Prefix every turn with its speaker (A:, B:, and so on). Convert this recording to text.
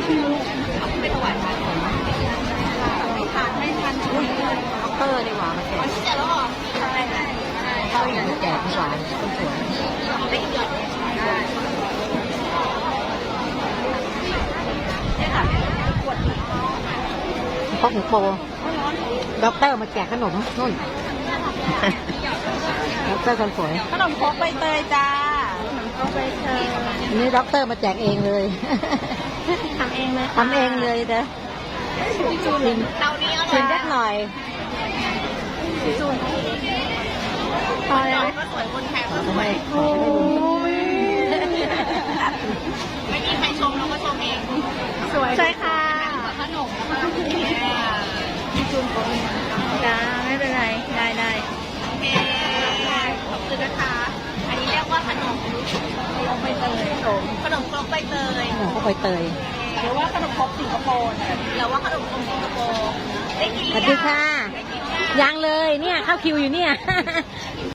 A: ไม่ถวายพันไม่ทานด็อกเตอร์ดีกว่ามาแจกเสร็จแล้วหรอใช่เขาอยากจะแจกหวานคนสวยได้หยอดได้พกหมูโปด็อกเตอร์มาแจกขนมนู่นด็อกเตอร์คนสวยขนมพกใบเตยจ้าขนมพกใบเตยนี่ด็อกเตอร์มาแจกเองเลยทำเองเลยทำเองเลยเด้อชิมชิมสักหน่อยพอแล้วก็สวยคนแทนก็สวยไม่มีใครชมเราก็ชมเองสวยใช่ค่ะขนมจุ่มจ้าไม่เป็นไรได้โอเคขอบคุณนะคะอันนี้เรียกว่าขนมครกใบเตยขนมครกใบเตยขนมครกใบเตยหรือว่าขนมครกสิงคโปร์หรือว่าขนมครกสิงคโปร์ได้กินหรือยังสวัสดีค่ะยังเลยเนี่ยเข้าคิวอยู่เนี่ย